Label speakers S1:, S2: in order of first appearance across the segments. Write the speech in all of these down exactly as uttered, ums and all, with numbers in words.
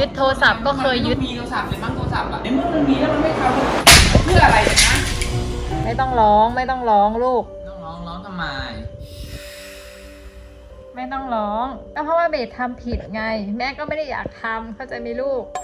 S1: ยึดโทรศัพท์ก็เคยยึด
S2: มีโทรศัพท์เลยมั้งโทรศัพท์อะในเมื่อมันมีแล้วมันไม่ทำเพื่ออะไรนะ
S1: ไม่ต้องร้องไม่ต้องร้องลูก
S2: ต้องร้องร้องทำไม
S1: ไม่ต้องร้องก็เพราะว่าเบสทำผิดไงแม่ก็ไม่ได้อยากทำเข้าใจไหมลูก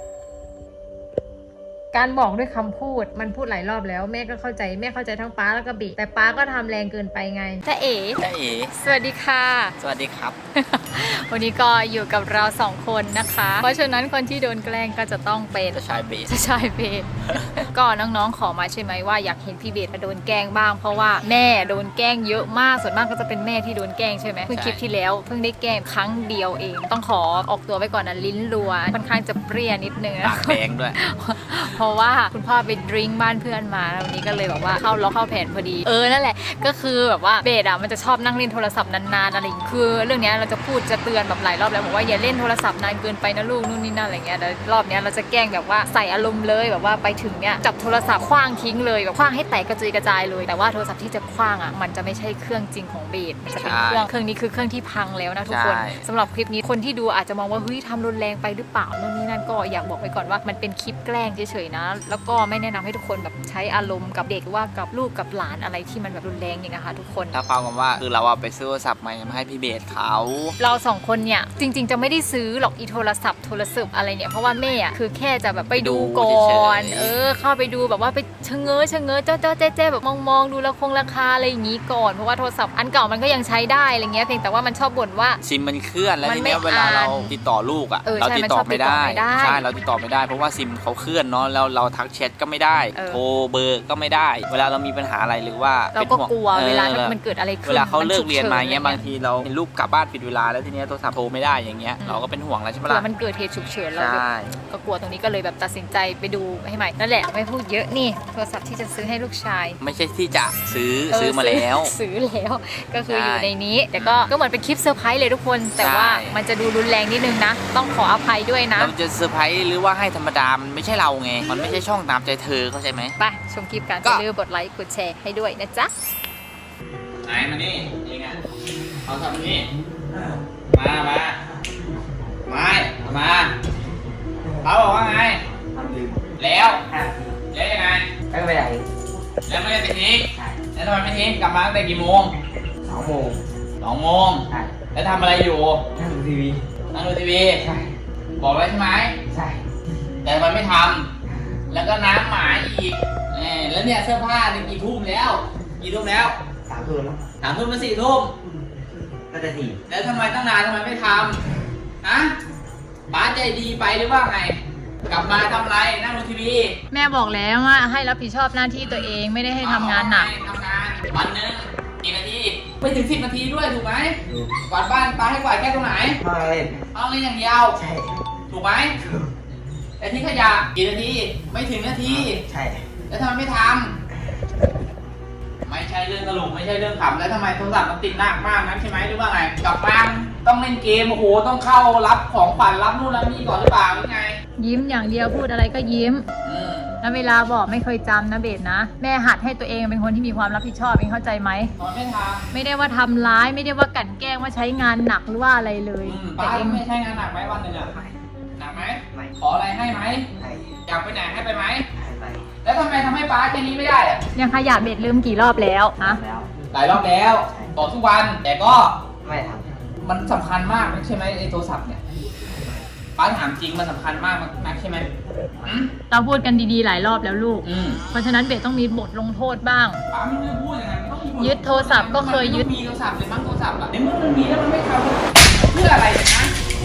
S1: การบอกด้วยคำพูดมันพูดหลายรอบแล้วแม่ก็เข้าใจแม่เข้าใจทั้งป้าแล้วก็เบสแต่ป้าก็ทำแรงเกินไปไงจ้าเอ๋
S2: จ้าเอ๋
S1: สวัสดีค่ะ
S2: สวัสดีครับ
S1: วันนี้ก็อยู่กับเราสองคนนะคะเพราะฉะนั้นคนที่โดนแกล้งก็จะต้องเป็น
S2: จะชายเบส
S1: จะชายเบส ก็น้องๆขอมาใช่ไหมว่าอยากเห็นพี่เบสโดนแกล้งบ้างเพราะว่าแม่โดนแกล้งเยอะมากส่วนมากก็จะเป็นแม่ที่โดนแกล้งใช่ไหมเพิ่งคลิปที่แล้วเพิ่งได้แกล้งครั้งเดียวเองต้องขอออกตัวไว้ก่อนนะลิ้นรัวค่อนข้างจะเปรี้ยนิดนึง
S2: ปากแดงด้วย
S1: เพราะว่าคุณพ่อไปดริ้งบ้านเพื่อนมาแล้ววันนี้ก็เลยแบบว่าเข้าล็อกเข้าแผนพอดีเออนั่นแหละก็คือแบบว่าเบสอ่ะมันจะชอบนั่งเล่นโทรศัพท์นานๆอะไรอย่างเงี้ยคือเรื่องนี้เราจะพูดจะเตือนแบบหลายรอบแล้วบอกว่าอย่าเล่นโทรศัพท์นานเกินไปนะลูกนู่นนี่นั่นอะไรเงี้ยแล้วรอบนี้เราจะแกล้งแบบว่าใส่อารมณ์เลยแบบว่าไปถึงเนี้ยจับโทรศัพท์คว้างทิ้งเลยแบบคว้างให้แตกกระจุยกระจายเลยแต่ว่าโทรศัพท์ที่จะคว้างอ่ะมันจะไม่ใช่เครื่องจริงของเบสมันจะเป็นเครื่องเครื่องนี้คือเครื่องที่พังแล้วนะทุกคนสำหรับคลิปนี้คนที่ดูอาจจะมองว่าเฮ้ยทำรุนแรงไปหรือเปล่านู่นนี่นั่นก็อยากบอกไว้ก่อนว่ามันเป็นคลิปแกล้งเฉยๆนะแล้วก็ไม่แนะนำให้ทุกคนแบบใช้อารมณ์กับเด็กว่ากับลูกกับหลานอะไรที่มันแบบรุนแรงอย่างนะคะทุกคน
S2: ถ้าฟังกันว่าคือเราไปซื้อโทรศัพท์ใหม่มาให้พี่เบสเขา
S1: เราสองคนเนี่ยจริงๆจะไม่ได้ซื้อหรอกอีโทรศัพท์โทรศัพท์อะไรเนี่ยเพราะว่าแม่อะคือแค่จะแบบไปดูก่อนเออเข้าไปดูแบบว่าไปชะเง้อชะเง้อเจ้าเจ้าแจ๊แจ๊แบบมองๆดูราคงราคาอะไรอย่างงี้ก่อนเพราะว่าโทรศัพท์อันเก่ามันก็ยังใช้ได้อะไรเงี้ยเพียงแต่ว่ามันชอบบ่นว่า
S2: ซิมมันเคลื่อนแล้วทีเนี้ยเวลาเราติดต่อลูกอ่ะเราติดต่อไม่ได้ใช่เราติดต่อไม่ได้เพราะว่าซิมเขาเคลื่อนเนาะแล้วเราทักแชทก็ไม่ได้โทรเบอร์ก็ไม่ได้เวลาเรามีปัญหาอะไรหรือว่า
S1: เราก็กลัวเวลามันเกิดอะไรขึ้น
S2: เวลาเขาเลิกเรียนมาเงี้ยบางทีเราลูกกลับบ้านผิดเวลาแล้วทีเนี้ยโทรศัพท์โทรไม่ได้อย่างเงี้ยเราก็เป็นห่วงแล้วใช่ไหมล่ะ
S1: มันเกิดเหตุฉุกเฉินเราก็กลัวตรงนี้ก็เลยแบบตัดสินใจไปดูให้ใหม่นั่นแหละไม่พูดเยอะนี่โทรศัพท์ที่จะซื้อให้ลูกชาย
S2: ไม่ใช่ที่จะซื้อซื้อมาแล้ว
S1: ซื้อแล้วก็คืออยู่ในนี้แต่ก็ก็เหมือนเป็นคลิปเซอร์ไพรส์เลยทุกคนแต่ว่ามันจะดูรุนแรงนิดนึงนะต้องขออภัยด้วยนะ
S2: เราจะเซอร์ไพรส์หรือว่าให้ธรรมดามันไม่ใช่เราไงมันไม่ใช่ช่องตามใจเธอเข้าใจไหม
S1: ไปชมคลิปกันอย่าลืมกดไลค์กดแชร์ให้ด้วยนะจ๊ะ
S2: ไหนมานี่เองอ่ะเอาทำนี่มามาไม่มาเขาบอกว่าไงทำลืมแล้วแล้วยังไง
S3: ไม่ไปไหน
S2: แล้วไม่ได้ไปทิ้งแล้วทำไมไม่ทิ้งกลับมาตั้งแต่กี่โมง
S3: สองโมง
S2: สองโมงแล้วทำอะไรอยู่
S3: นั่งดูทีวี
S2: นั่งดูทีวี
S3: ใช่
S2: บอกไว้ใช่ไหม
S3: ใช่
S2: แต่ทำไมไม่ทำแล้วก็น้ำหมาอีกแล้วเนี่ยเสื้อผ้าเนี่ยกี่ทุ่มแล้วกี่ทุ่มแล้ว
S3: สามทุ่มแล้ว
S2: สามทุ่มมาสี่ทุ่ม
S3: ก็จะสี่
S2: แล้วทำไมตั้งนานทำไมไม่ทำฮะป้าใจดีไปหรือว่าไงกลับมาทำไรนั่งดูทีวี
S1: แม่บอกแล้วว่าให้รับผิดชอบหน้าที่ตัวเองไม่ได้ให้ทำงานหนัก
S2: ทำงานวันนึงกี่นาทีไม่ถึงสิบนาทีด้วยถูกไหมกวาดบ้านป้าให้กวาดแค่ตรงไหน
S3: ห้องเล่น
S2: ห้องเล่นอย่างเดียว
S3: ใช่
S2: ถูกไหมแต่ที่ขยะกี่นาทีไม่ถึงนาที
S3: ใช่
S2: แล้วทำไมไม่ทำไม่ใช่เรื่องตลกไม่ใช่เรื่องขำแล้วทำไมโทรศัพท์มันติดหนักมากนั้นใช่ไหมหรือว่าไงกลับบ้านต้องเล่นเกมโอ้โหต้องเข้ารับของขวัญรับนู่นรับนี่ก่อนหรือเปล่าหรือไง
S1: ยิ้มอย่างเดียวพูดอะไรก็ยิ้มแล้วเวลาบอกไม่เคยจำนะเบสนะแม่หัดให้ตัวเองเป็นคนที่มีความรับผิดชอบเองเข้าใจไหม
S2: ตอนไม่ทำ
S1: ไม่ได้ว่าทำร้ายไม่ได้ว่ากลั่นแกล้งว่าใช้งานหนักหรือว่าอะไรเลย
S2: แต่เองไม่ใช้งานหนักไหมวันหนึ่งอะหนักไหมขออะไรให้ไหมอยากไปไหนให้ไปไหมแล้วทำไมทำให้ป้าแค่นี้ไม่ได้อะ
S1: ยังขยะเบสลืมกี่รอบแล้วฮะ
S2: หลายรอบแล้วบอกทุกวันแต่ก็
S3: ไม่ท
S2: ำมันสำคัญมากใช่ไหมไอ้โทรศัพท์เนี่ยป้าถามจริงมันสำคัญมากนักใช่ไหม
S1: เราพูดกันดีๆหลายรอบแล้วลูกเพราะฉะนั้นเบสต้องมีบทลงโทษบ้าง
S2: ป้าไม่ได้พูดอย่างนั้นต้องมีบท
S1: ยึดโทรศัพท์ก็เคยยึด
S2: มีโทรศัพท์เลยมั้งโทรศัพท์อะในเมื่อมันมีแล้วมันไม่ทำเพื่ออะไรนะ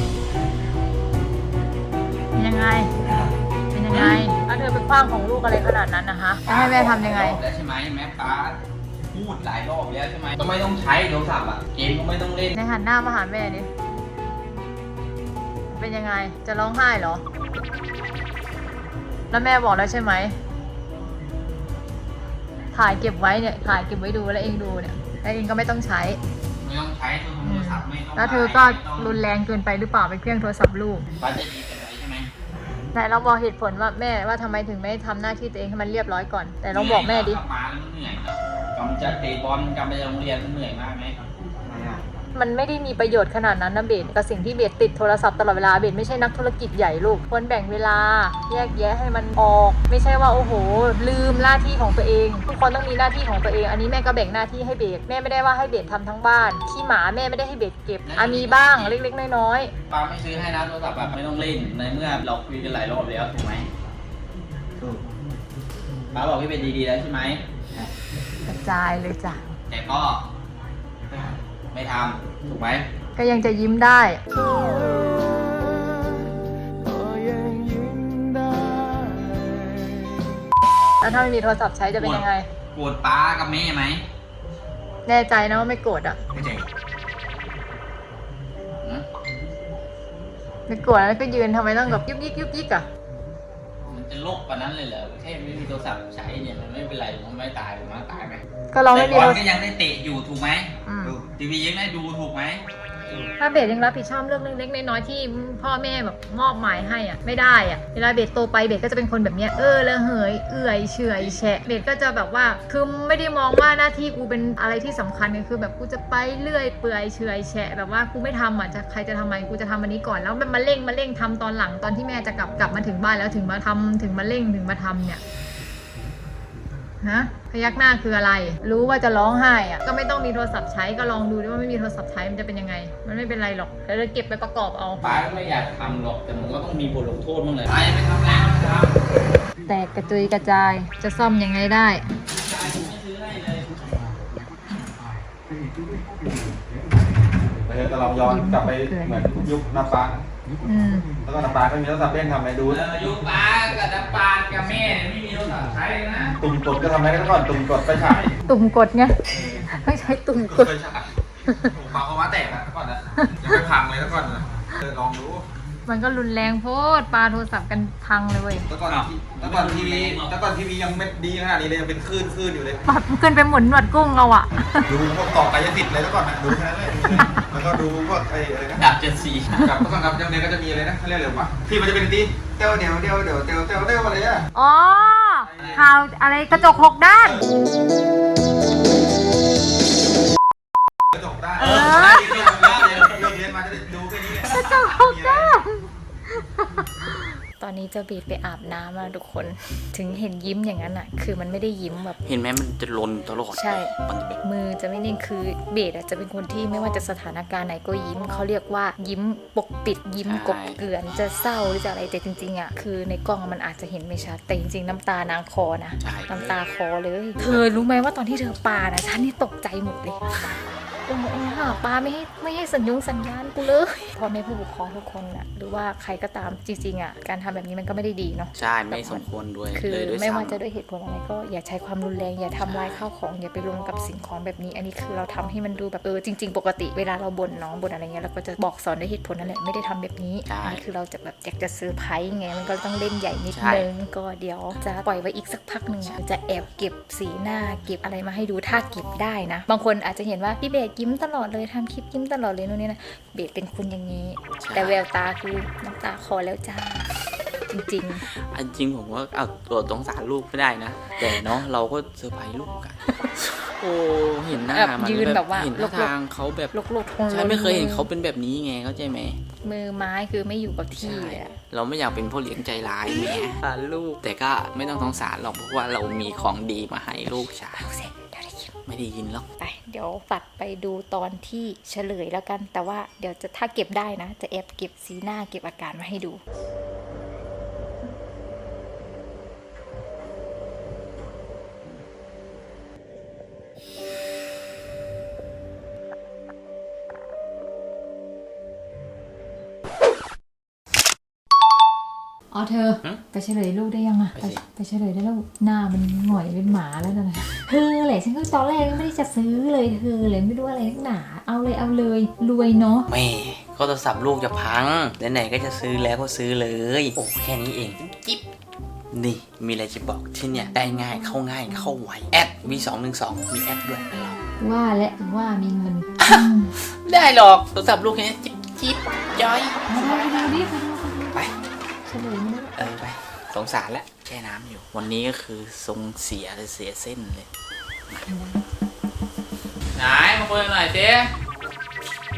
S1: เป็นยังไงเป็นยังไงถ้าเธอไปคว้างของลูกอะไรขนาดนั้นนะคะจะให้แม่ทำยังไง
S2: แล้วใช่ไหมแม่ป้าพูดหลายรอบแล้วใช่ไหมก็ไม่ต้องใช้โทรศัพท์อะเกมก็ไม่ต้องเล่น
S1: ในหันหน้ามาหาแม่ดิเป็นยังไงจะร้องไห้เหรอแล้วแม่บอกแล้วใช่ไหมถ่ายเก็บไว้เนี่ยถ่ายเก็บไว้ดูแล้วเองดูเนี่ยแล้วเองก็ไม่ต้องใช้
S2: ไม่ต้องใช้โทรศัพท์ไม่ต้อง
S1: แล้วเธอก็รุนแรงเกินไปหรือเปล่าไปเครื่องโทรศัพท์ลูก
S2: ป้าจะดีกันไหมใช่ไหม
S1: แต่เราบอกเหตุผลว่าแม่ว่าทำไมถึงไม่ทำหน้าที่ตัวเองให้มันเรียบร้อยก่อนแต่เราบอกแม่ดิ
S2: กลับมาแล้วมันเหนื่อยกำจะเตะบอลกำไปโรงเรียนมันเหนื่อยมากไหม
S1: มันไม่ได้มีประโยชน์ขนาดนั้นนะเบสกับสิ่งที่เบสติดโทรศัพท์ตลอดเวลาเบสไม่ใช่นักธุรกิจใหญ่ลูกควรแบ่งเวลาแยกแยะให้มันออกไม่ใช่ว่าโอ้โหลืมหน้าที่ของตัวเองทุกคนต้องมีหน้าที่ของตัวเองอันนี้แม่ก็แบ่งหน้าที่ให้เบสแม่ไม่ได้ว่าให้เบสทำทั้งบ้านขี้หมาแม่ไม่ได้ให้เบสเก็บอ่ะมีบ้างเล็กๆน้อยๆ
S2: ป้าไม่ซื้อให้นะโทรศัพท์แบบไม่ต้องเล่นในเมื่อเราคุยกันหลายรอบแล้วถูกไหม
S3: ถูก
S2: ป้าบอกพี่เป็นดีๆแล้วใช่ไหม
S1: กระจายเลยจ้ะ
S2: แต่ก็ไม่ทำถูกไหม
S1: ก็ยังจะยิ้มได้ แล้วถ้าไม่มีโทรศัพท์ใช้จะเป็นยังไง
S2: โกรธป้ากับแม่ไหม
S1: แน่ใจนะว่าไม่โกรธอ่ะ
S3: ไม่ใช่
S2: หือ
S1: ไม่โกรธแล้วก็ยืนทำไมต้องแบบยุกยิกยุกยิกอ่ะ
S2: มันจะโลกกว่านั้นเลยเหรอแค่ไม่มีโทรศัพท์ใช้เนี่ยมันไม่เป็นไรผมไม่ตายผมไม่ตายไหม
S1: ก็เราไม่มี
S2: แต่บ
S1: โท
S2: อ
S1: ร
S2: ลก็ยังได้เตะอยู่ถูกไหม
S1: อืม
S2: ทีวียังได้ดูถูกไหม
S1: ถ้าเบสยังรับผิดชอบเรื่องเล็กๆน้อยๆที่พ่อแม่แบบมอบหมายให้อ่ะไม่ได้อ่ะเวลาเบสโตไปเบสก็จะเป็นคนแบบเนี้ยเออละเหยเอื่อยเฉอยแฉะเบสก็จะแบบว่าคือไม่ได้มองว่าหน้าที่กูเป็นอะไรที่สำคัญไงคือแบบกูจะไปเรื่อยเปื่อยเฉอยแฉะแบบว่ากูไม่ทำอ่ะจะใครจะทำไมกูจะทำอันนี้ก่อนแล้วมันมาเร่งมาเร่งทำตอนหลังตอนที่แม่จะกลับกลับมาถึงบ้านแล้วถึงมาทำถึงมาเร่งถึงมาทำเนี่ยฮะพยักหน้าคืออะไรรู้ว่าจะร้องไห้อ่ะก็ไม่ต้องมีโทรศัพท์ใช้ก็ลองดูดิว่าไม่มีโทรศัพท์ใช้มันจะเป็นยังไงมันไม่เป็นไรหรอกแล้วเราเก็บไปประกอบเอา
S2: ป้าก็ไม่อยากทำหรอกแต่มันก็ต้องมีบทลงโทษบ้างเลยป้ายังไม่ทำแล้วครับ
S1: แตกกระจุยกระจายจะซ่อมยังไงได้
S2: ไม่ซื้อให้เลย
S4: เออแต่เราย้อนกลับไปเหมือนยุคน้ำปลา
S1: อืม
S4: แล้วก็น้ำปลาก็มีโทรศัพท์เล่นทำอะไรดู
S2: เอออยู่ป้ากับน้ำปานกับแม่เนี่ยไม่มีโทรศัพท์ใช้เลยนะ
S4: ตุ่มกดก็ทำอะไรกันก่อนตุ่มกดไปฉาย
S1: ตุ่มกดไงไม่ใช่ตุ่มกด
S4: ไปฉายผมปาเขามาแตกอ่ะก่อนนะยังไม่พังเลยแล้วก่อนนะเออลองดู
S1: มันก็รุนแรงโพดปาโทรศัพท์กันพังเลยเว้ย
S4: แล้วก่อนแล้วก่อนทีวีแล้วก่อนทีวียังไม่ดีขนาดนี้เลยยังเป็นคลื่นคลื่นอยู่เลย
S1: ปัดขึ้นไปหมุนหนวดกุ้งเราอะ
S4: ดูพวกต่อกายสิทธิ์เลยแล้วก่อนนะดูแค่นั้นเลยแล้วก็ดูพวกไอ้อะไรนะ
S2: ดาบเจ็ดสี
S4: กับแล้วก็กับยังไงก็จะมีอะไรนะเขาเรียกอะไรวะที่มันจะเป็นตีเต้าเดียวเดียวเดียวเดียวเดียวเดียวอะไรอ่ะ
S1: อ๋อข่าวอะไรกระจกหกด้าน
S4: กระจกได้
S1: เอ
S4: เอ
S1: อ
S4: อเลิกเรียนมาจะได้ดูแค่นี้
S1: กระจกหกด้านตอนนี้เจะบีดไปอาบน้ำแล้วทุกคนถึงเห็นยิ้มอย่างนั้นอะคือมันไม่ได้ยิ้มแบบ
S2: เห็นไหมมันจะลนตลอด
S1: ใช่
S2: มันจะแบบ
S1: มือจะไม่นิ่งคือเบสอะจะเป็นคนที่ไม่ว่าจะสถานการณ์ไหนก็ยิ้มเขาเรียกว่ายิ้มปกปิดยิ้มกบเกลื่อนจะเศร้าหรือจะอะไรแต่จริงๆอะคือในกล้องมันอาจจะเห็นไม่ชัดแต่จริงๆน้ำตานางคอนะ
S2: ใช่
S1: น้ำตาคอเลย เธอรู้ไหมว่าตอนที่เธอปานะฉันนี่ตกใจหมดเลยโอ้โหหาปลาไม่ให้ไม่ให้สัญญงสัญญาณกูเลยพ่อแม่ผู้ปกครองทุกคนอะหรือว่าใครก็ตามจริงๆอะการทำแบบนี้มันก็ไม่ได้ดีเนาะ
S2: ใช่ไม่สมควรด้วย
S1: คือ
S2: เลยด้วย
S1: ไม่ว่า
S2: ซ้ำ
S1: จะด้วยเหตุผลอะไรก็อย่าใช้ความรุนแรงอย่าทำลายข้าวของอย่าไปลงกับสิ่งของแบบนี้ อันนี้คือเราทำให้มันดูแบบเออจริง ๆ ปกติเวลาเราบ่นน้องบ่นอะไรเงี้ยเราก็จะบอกสอนด้วยเหตุผลนั่นแหละไม่ได้ทำแบบนี้
S2: ใช่
S1: อันนี้คือเราจะแบบอยากจะเซอร์ไพรส์ไงมันก็ต้องเล่นใหญ่นิด
S2: ใช่
S1: นึงก็เดี๋ยวจะปล่อยไว้อีกสักพักหนึ่งอะจะแอบเก็บสีหน้าเก็บอะไรมาให้ดูถ้าเก็บได้นะบางคนอาจจะเห็นว่าพี่เบสยิ้มตลอดเลยทำคลิปยิ้มตลอดเลยนู่นนี่นะเบสเป็นคนอย่างนี้ แต่แววตาคือน้ำตาคลอแล้วจ้าจริงๆ
S2: อันจริงผมว่าเอาตัวสงสารลูกไม่ได้นะ แต่เนาะเราก็เซอร์ไพรส์ลูกกัน โอ้เห็นหน้า
S1: แบบ
S2: มัน
S1: ยืนแบบว่า
S2: เห็น
S1: ล
S2: ท่าก ทางเขาแบบ
S1: ๆลกๆทง
S2: ใช่ไม่เคยเห็นเขาเป็นแบบนี้ไงเข้าใจไหม
S1: มือไม้คือไม่อยู่กับที่
S2: ใช่
S1: เลยอะ
S2: เราไม่อยากเป็นพ่อเลี้ยงใจร้ายแหมสารลูกแต่ก็ไม่ต้องสงสารหรอกเพราะว่าเรามีของดีมาให้ลูกใช่
S1: เอาเสร็จเดี๋ยวได้ยิน
S2: ไม่ได้ยินหรอก
S1: ไปเดี๋ยวตัดไปดูตอนที่เฉลยแล้วกัน แต่ว่าเดี๋ยวจะถ้าเก็บได้นะ จะแอบเก็บสีหน้าเก็บอาการมาให้ดูอ๋อเธอไปเฉลยลูกได้ยังอะไปไปเฉลยได้แล้วหน้ามันหงอยเป็นหมาแล้วนะเธอแหละฉันก็ตอนแรกก็ไม่ได้จะซื้อเลยเธอเลยไม่รู้อะไรนักหนาเอาเลยเอาเลยรวยเนาะ
S2: แม่ก็โทรศัพท์ลูกจะพังไหนๆก็จะซื้อแล้วก็ซื้อเลยโอ้แค่นี้เองจิ๊บนี่มีอะไรจะบอกที่เนี่ยได้ง่ายเข้าง่ายเข้าไวแอดวีสองหนึ่งสองมีแอดด้วยนะเรา
S1: ว่าและว่ามีเงิน
S2: ไม่ได้หรอกโทรศัพท์ลูกแค่นี้จิ๊บจิ๊บย้อย
S1: ไปดูดิไปดู
S2: ไป
S1: เฉลยไม่ได้
S2: เออไปสงสารแล้วแช่น้ำอยู่ วันนี้ก็คือทรงเสียเลยเสียเส้นเลยไหนมาคุยหน่อยสิ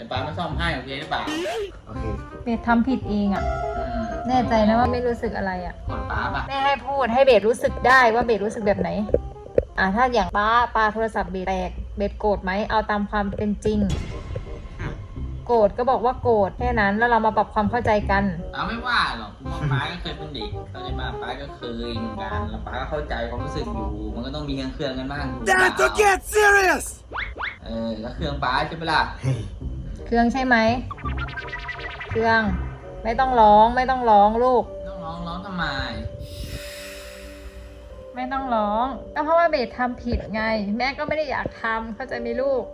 S2: ป้าไม่ซ่อมให้โอเคหรือเปล่า
S3: โอเค
S1: เบสทำผิดเองอะ
S2: อืม
S1: แน่ใจนะว่าไม่รู้สึกอะไรอะ
S2: กดป้าป่ะ
S1: แม่ให้พูดให้เบสรู้สึกได้ว่าเบสรู้สึกแบบไหน อ่าถ้าอย่างป้าปาโทรศัพท์เบสแตกเบสโกรธไหมเอาตามความเป็นจริง โกรธก็บอกว่าโกรธแค่นั้นแล้วเรามาปรับความเข้าใจกัน
S2: ป้าไม่ว่าหรอกเพราะว่าป้าก็เคยเป็นเด็กเข้าใจป่ะป้าก็เคยเหมือนกันแล้วป้าก็เข้าใจความรู้สึกอยู่ มันก็ต้องมีเครื่องกันบ้างถูกเปล่า
S3: get serious
S2: เออแล้วเครื่องป้าใช่ไหมล่ะ
S1: เครื่องใช่ไหมเครื่องไม่ต้องร้องไม่ต้องร้องลูก
S2: ต้องร้องร้องทำไม
S1: ไม่ต้องร้องก็เพราะว่าเบสทำผิดไง แม่ก็ไม่ได้อยากทำเข้าใจไหมลูก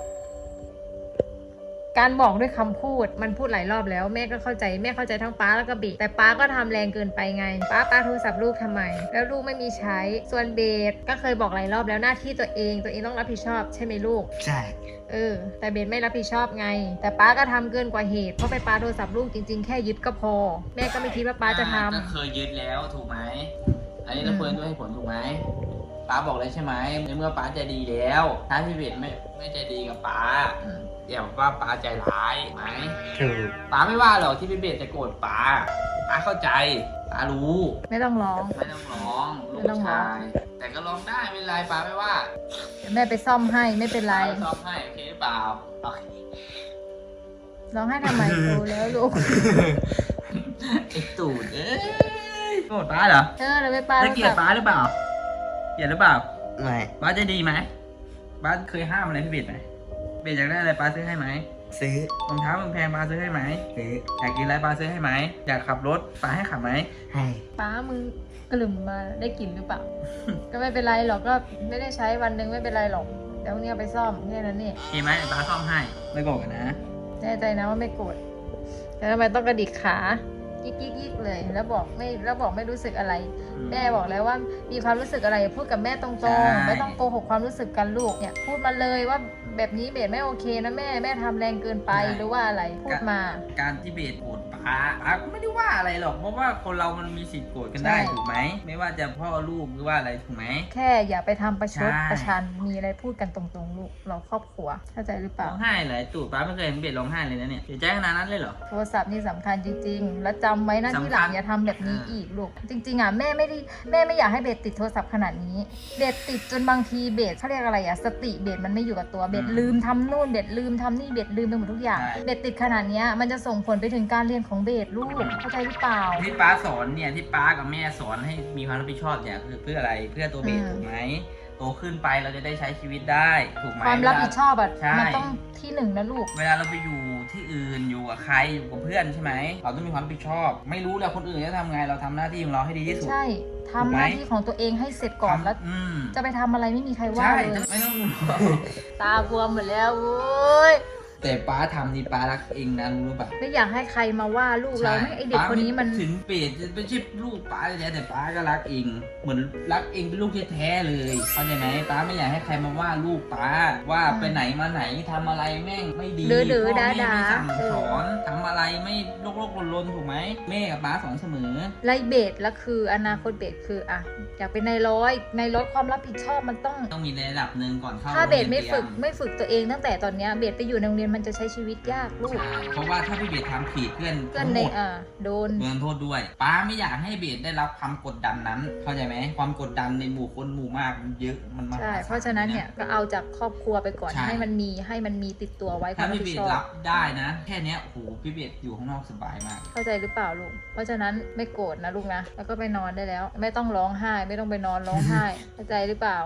S1: การบอกด้วยคำพูดมันพูดหลายรอบแล้วแม่ก็เข้าใจแม่เข้าใจทั้งป้าแล้วก็เบสแต่ป้าก็ทำแรงเกินไปไงป้าป้าโทรศัพท์ลูกทำไม แล้วลูกไม่มีใช้ส่วนเบสก็เคยบอกหลายรอบแล้วหน้าที่ตัวเองตัวเองต้องรับผิดชอบใช่ไหมลูก
S3: ใช่
S1: เออแต่เบสไม่รับผิดชอบไง แต่ป้าก็ทำเกินกว่าเหตุเพราะไปป้าโทรศัพท์ลูกจริงๆแค่ยึดก็พอ แม่ก็ไม่คิดว่าป้าจะทำ
S2: ก็เคยยึดแล้วถูกไหมอันนี้เราเปิดด้วยเหตุผลถูกไหมป้าบอกเลยใช่ไหมในเมื่อป้าใจดีแล้ว ถ้าพี่เบสไม่ไม่ใจดีกับป้า
S1: อืม
S2: อย่าบอกว่าป้าใจร้ายถูกไหม
S3: ถูก
S2: ป้าไม่ว่าหรอกที่พี่เบสจะโกรธป้าป้าเข้าใจป้ารู้
S1: ไม่ต้องร้อง
S2: ไม่ต้องร้องลูก
S1: ไม่ต้องร้อ
S2: ชาง ยแต่ก็ร้องได้ไม่เป็นไรป้าไม่ว่า
S1: เดี๋ยวแม่ไปซ่อมให้ไม่เป็นไร
S2: ป้าซ้อมให้โอเคหรือเปล่าโอเค
S1: ร้องให้ทำไมโตแล้วลูก
S2: ไอ้ตูดเอ้ยโกรธป้าเหรอ
S1: เออเราไปป้า
S2: ได้เกลียดป้าหรือเปล่าเกลียดหรือเปล่า
S3: ไม่
S2: ป้าใจดีไหมป้าเคยห้ามอะไรพี่เบสไหมเบสอยากได้อะไรป้าซื้อให้ไหม
S3: ซื้อ
S2: รองเท้าแพงๆป้าซื้อให้ไหม
S3: ซื้อ
S2: อยากกินอะไรป้าซื้อให้ไหมอยากขับรถป้าให้ขับไหม
S3: ให้
S1: ป้ามือกลุ่มมาได้กลิ่นหรือเปล่า ก็ไม่เป็นไรหรอกก็ไม่ได้ใช้วันหนึงไม่เป็นไรหรอกเดี๋ยวพรุ่งนี้เอาไปซ่อมแค่นั้นนี่
S2: โอเคไหมป้าซ่อมให้ไม่โกรธกันนะ
S1: แน่ใจนะว่าไม่โกรธแต่ทำไมต้องกระดิกขายิกยิกยิกเลย แล้วบอกไม่แล้วบอกไม่รู้สึกอะไร แม่บอกแล้วว่ามีความรู้สึกอะไรพูดกับแม่ตรงๆไม่ต้องโกหกความรู้สึกกันลูกเนี่ยพูดมาเลยว่าแบบนี้เบสไม่โอเคนะแม่แม่ทำแรงเกินไปหรือว่าอะไรพูดมา
S2: การที่เบสโกรธป้าป้าก็ไม่ได้ว่าอะไรหรอกเพราะว่าคนเรามันมีสิทธิ์โกรธกันได้
S1: ใช่
S2: ถูกไหมไม่ว่าจะพ่อลูกหรือว่าอะไรถูกไหม
S1: แค่อย่าไปทำประชด
S2: ใช่
S1: ประชันมีอะไรพูดกันตรงๆลูกเราครอบครัวเข้าใจหรือเป
S2: ร้
S1: ล่า
S2: องไห้เหรอไอ้ตูดป้าไม่เคยเห็นเบสร้องไห้เลยนะเนี่ยเสียใจขนาดนั้นเลยเหรอ
S1: โทรศัพท์นี่สำคัญจริงๆ แล้วจำไว้นะ
S2: สำคัญ
S1: ที่หลังอย่าทำแบบนี้อีกลูก จริงๆอ่ะแม่ไม่ได้แม่ไม่อยากให้เบสติดโทรศัพท์ขนาดนี้ เบสติดจนบางทีเบสเขาเรียกอะไรอ่ะสติเบสมันไม่อยู่กับตัวเบสลืมทำนู่นเบสลืมทำนี่เบสลืมไปหมดทุกอย่างเบสติดขนาดเนี้ยมันจะส่งผลไปถึงการเรียนของเบสลูกเข้าใจหรือเปล่า
S2: ที่ป้าสอนเนี่ยที่ป้ากับแม่สอนให้มีความรับผิดชอบเนี่ยคือเพื่ออะไรเพื่อตัวเบส
S1: อืม
S2: ถูกไหมโตขึ้นไปเราจะได้ใช้ชีวิตได้ถูกไหม
S1: ความรับผิดชอบอ่ะ
S2: ใช่
S1: มันต้องที่หนึ่งนะลูก
S2: เวลาเราไปอยู่ที่อื่นอยู่กับใครอยู่กับเพื่อนใช่ไหมเราต้องมีความรับผิดชอบ ไม่รู้แหละคนอื่นจะทำไงเราทำหน้าที่ของเราให้ดีที่สุด
S1: ใช่
S2: ถู
S1: ทำ
S2: กไหม
S1: หน้าที่ของตัวเองให้เสร็จก่อนแล้ว
S2: อืม
S1: จะไปทำอะไรไม่มีใครว่า
S2: ใช่
S1: เลย
S2: ไม่ต้อง
S1: ตาบวมหมดแล้วโว้ย
S2: แต่ป้าทำนี่ป้ารักเองนะรู้หรือเปล่า
S1: ไม่อยากให้ใครมาว่าลูกเราไม่ไอเด็กคนนี้มัน
S2: ป้าถึงเปรตจะไม่ใช่ลูกป้าแท้แต่ป้าก็รักเองเหมือนรักเองเป็นลูกแท้ๆเลยเข้าใจไหมป้าไม่อยากให้ใครมาว่าลูกป้าว่าไปไหนมาไหนทำอะไรแม่งไม่ดี
S1: ดื้อๆ
S2: พ่อแม่
S1: ด่าๆ
S2: ไม่สั่ง
S1: เออ
S2: สอนทำอะไรไม่โลกโลกลนๆถูกไหมแม่กับป้าสอนเสมอ
S1: ไล่เบสแล้วคืออนาคตเบสคืออะอยากเป็นนายร้อยในรถความรับผิดชอบมันต้อง
S2: ต้องมีในระดับหนึ่งก่อนเข้า
S1: ถ้าเบสไม่
S2: โรง
S1: ฝึก
S2: รียน
S1: ไม่ฝึกตัวเองตั้งแต่ตอนเนี้ยเบสไปอยู่ในโรงเรียนมันจะใช้ชีวิตยากลูก
S2: ใช่เพราะว่าถ้าพี่เบสทำผิดเพื่อน
S1: เพื่อนใน
S2: โทษ
S1: อ่าโดน
S2: โดนโทษด้วยป้าไม่อยากให้เบสได้รับความกดดันนั้น เข้าใจไหมความกดดันในหมู่คนหมู่มากมันเยอะมันมาก
S1: ใช่ เพราะฉะนั้นเนี่ยก็เอาจากครอบครัวไปก่อน
S2: ใช่
S1: ให้มันมีให้มันมีติดตัวไว้ควา
S2: ถ้าม
S1: รับ
S2: พี่เบ
S1: ผิด
S2: ส
S1: ชอ
S2: รั
S1: บบ
S2: ได้นะ แค่เนี้ยโอ้โหพี่เบสอยู่ข้างนอกสบายมาก
S1: เข้าใจหรือเปล่าลูก เพราะฉะนั้นไม่โกรธนะลูกนะ แล้วก็ไปนอนได้แล้ว ไม่ต้องร้องไห้ ไม่ต้องไปนอนร้องไห้ เข้าใจหรือเปล่า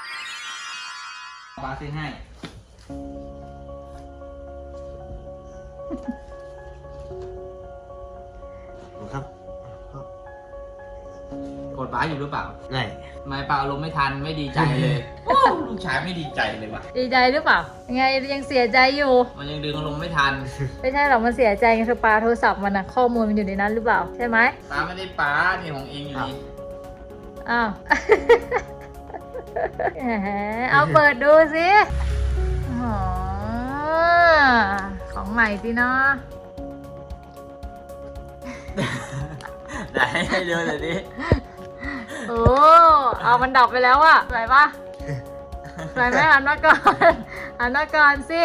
S2: ป้าซื้อให้
S3: ครับ
S2: กดป้าอยู่หรือเปล่า
S3: ไม่
S2: ทำไมป้าอารมณ์ไม่ทันไม่ดีใจเลยโอ้ลูกชายไม่ดีใจเลยว่ะ
S1: ดีใจหรือเปล่ายังไงยังเสียใจอยู่
S2: มันยังดึงอารมณ์ไม่ทัน
S1: ไม่ใช่หรอกมันเสียใจไงคือปลาโทรศัพท์มันอะข้อมูลมันอยู่ในนั้นหรือเปล่าใช่ไหม
S2: ป้าไม่ได้ป้านี่ของเองอยู่นี่
S1: อ้าว แหมเอาเปิดดูสิอ๋อของใหม่สิเนาะ
S2: ไหนให้ดูหน่อยดิ
S1: โอ้เอามันดับไปแล้วอะสวยปะสวยไหมหันมาก่อนหันมาก่อนสิ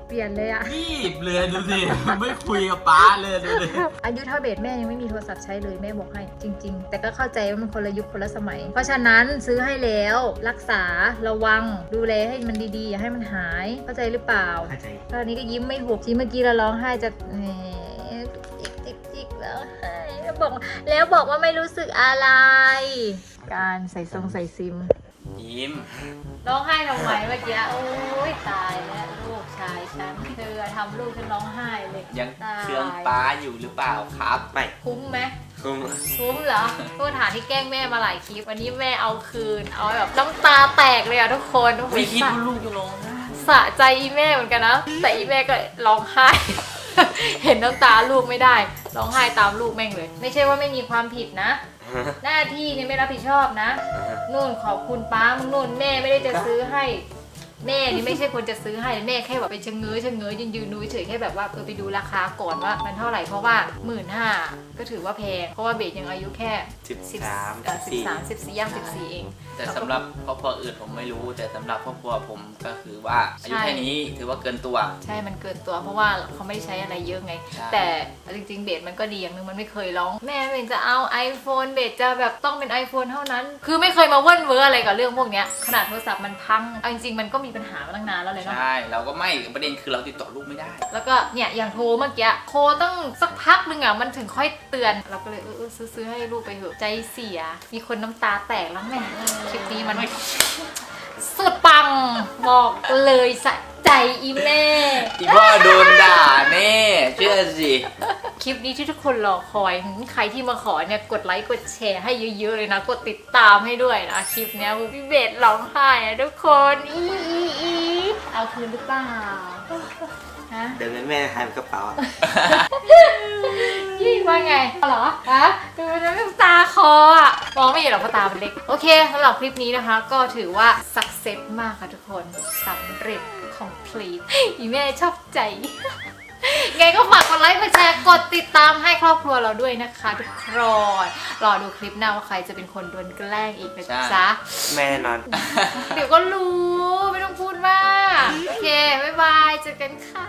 S1: เปลี่ยนเลยอะ
S2: รีบเลยดูสิไม่คุยกับป้าเลยดูดิ
S1: อายุเท่าเบสแม่ยังไม่มีโทรศัพท์ใช้เลยแม่บอกให้จริง ๆ แต่ก็เข้าใจว่ามันคนละยุคคนละสมัย เพราะฉะนั้นซื้อให้แล้วรักษาระวังดูแลให้มันดีๆอย่าให้มันหายเข้าใจหรือเปล่า
S3: เข้าใจ
S1: ตอนนี้ก็ยิ้มไม่หุบที่เมื่อกี้เราร้องไห้จะแหมจิกจิกจิกแล้วไห้แล้วบอกแล้วบอกว่าไม่รู้สึกอะไร การใส่ทรงใส่ซิม
S2: ยิ้ม
S1: ร้องไห้ทำไมเมื่อกี้โอ้ยตายแล้วลูกชายฉันเธอทำลูกฉันร้องไห้เลย
S2: ยัง
S1: ตาย
S2: เคืองป้าอยู่หรือเปล่าครับ
S3: ไม่
S1: คุ้มไหม
S3: คุ้ม
S1: คุ้มเหรอโทษฐานที่แกล้งแม่มาหลายคลิปวันนี้แม่เอาคืนเอาแบบน้ำตาแตกเลยอะทุกคน
S2: ไม่คิดว่าลูกจะร้องไห้
S1: สะใจอีแม่เหมือนกันนะแต่อีแม่ก็ร้องไห้ เห็นน้ำตาลูกไม่ได้ร้องไห้ตามลูกแม่งเลย ไม่ใช่ว่าไม่มีความผิดนะ หน้าที่นี่ไม่รับผิดชอบนะนู่นขอบคุณป้ามึงนู่นแม่ไม่ได้จะซื้อให้ แม่นี่ไม่ใช่คนจะซื้อให้แม่แค่แบบไปชะเง้อชะเง้อยืนยืนดูเฉยแค่แบบว่าเออไปดูราคาก่อนว่ามันเท่าไหร่เพราะว่าหมื่นห้าก็ถือว่าแพงเพราะว่าเบสยังอายุแค่
S3: สิบสาม
S1: สิบสามสิบสี่ย่างสิบสี่เอง
S2: แต่สำหรับครอบครัวอื่นผมไม่รู้ แต่สำหรับครอบครัวผมก็คือว่าอายุแค่นี้ถือว่าเกินตัว
S1: ใช่มันเกินตัวเพราะว่าเขาไม่ได้ใช้อะไรเยอะไง
S2: ใช่
S1: แต่จริงๆเบสมันก็ดีอย่างหนึงมันไม่เคยร้องแม่เบสจะเอา iPhone เบสจะแบบต้องเป็น iPhone เท่านั้น คือไม่เคยมาเว่นเวอร์อะไรกับเรื่องพวกเนี้ยขนาดโทรศัพท์มันพังเอาจริงๆมันก็มีปัญหามาตั้งนานแล้วเลยเนาะ
S2: ใช่เราก็ไม่ประเด็นคือเราติดต่อลูกไม่ได้
S1: แล้วก็เนี่ยอย่างโทรเมื่อกี้โทรตั้งสักพักหนึงอ่ะมันถึงค่อยเตือนเราก็เลยเออเออซื้อซื้อให้ลูกไปเถอะใจเสียมีคนน้ำตาแตกแล้วแม่คลิปนี้มันสุดปังบอกเลยสะใจอีแม่
S2: อีพ่อโดนด่าแน่เชื่อสิ
S1: คลิปนี้ที่ทุกคนรอคอยหืมใครที่มาขอเนี่ยกดไลค์กดแชร์ให้เยอะๆเลยนะกดติดตามให้ด้วยนะคลิปเนี้ยพี่เบสร้องไห้อะทุกคนอีอีอีเอาคืนหรือเปล่าฮะ
S3: เดี๋ยวเงินแม่หายในกระเป๋าอะ
S1: ยี่ว่าไงเหรอฮะดูน้ำตาคออ่ะมองไม่เห็นหรอกเพราะตาเป็นเล็กโอเคสำหรับคลิปนี้นะคะ ก็ถือว่า success มากค่ะทุกคนสำเร็จ complete อีแม่ชอบใจ ไงก็ฝากกดไลค์กดแชร์กดติดตามให้ครอบครัวเราด้วยนะคะทุกคนรอดูคลิปหน้าว่าใครจะเป็นคนโดนแกล้งอีกนะจ๊ะ
S3: แม่แน่นอน
S1: เดี๋ยวก็รู้ไม่ต้องพูดมากโอเค บ๊ายบาย เจอกันค่ะ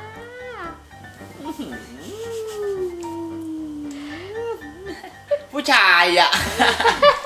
S2: ผู้ชายอ่ะ